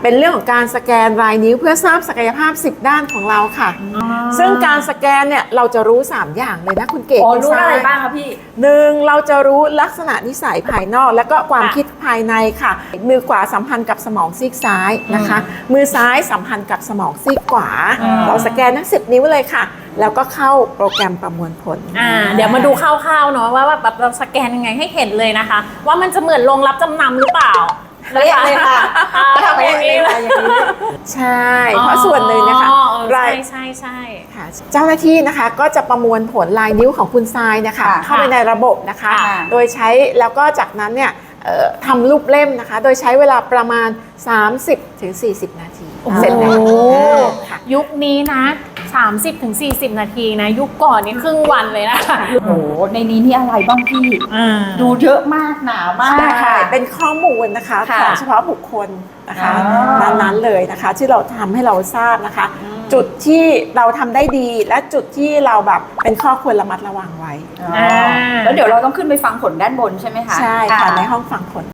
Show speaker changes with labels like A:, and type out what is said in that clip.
A: เป็นเรื่องของการสแกนลายนิ้วเพื่อทราบศักยภาพ10ด้านของเราค่ะซึ่งการสแกนเนี่ยเราจะรู้3อย่างเลยนะคุณเก๋คุณ
B: รู้
A: ทรา
B: อะไร
A: ย
B: บ้างคะพี่
A: 1เราจะรู้ลักษณะนิสัยภายนอกและก็ความคิดภายในค่ะมือขวาสัมพันธ์กับสมองซีกซ้ายนะคะมือซ้ายสัมพันธ์กับสมองซีกขวาเราสแกนทั้ง10นิ้วเลยค่ะแล้วก็เข้าโปรแกรมประมวลผล
C: เดี๋ยวมาดูคร่าวๆเนาะว่าแบบเราสแกนยังไงให้เห็นเลยนะคะว่ามันจะเหมือนโรงรับจำนำหรือเปล่า
A: เลยค่ะ
C: ทำอย่างนี้เลย
A: ใช่เพราะส่วนหนึ่งนะคะ
C: ใช่
A: ค่ะเจ้าหน้าที่นะคะก็จะประมวลผลลายนิ้วของคุณทรายนะคะเข้าไปในระบบนะคะโดยใช้แล้วก็จากนั้นเนี่ยทำรูปเล่มนะคะโดยใช้เวลาประมาณ 30-40 นาทีเสร็จแล้ว
C: ยุคนี้นะ30-40 นาทีนะยุคก่อนนี่ครึ่งวันเลยนะ
B: โอ้โหในนี้นี่อะไรบ้างพี่ดูเยอะมากหนามาก
A: ค่ะเป็นข้อมูลนะคะของเฉพาะบุคคลนะคะนั้นเลยนะคะที่เราทำให้เราทราบนะคะจุดที่เราทำได้ดีและจุดที่เราแบบเป็นข้อควรระมัดระวังไว้
B: แล้วเดี๋ยวเราต้องขึ้นไปฟังผลด้านบนใช่ไหมคะ
A: ใช่ค่ะในห้องฟังผล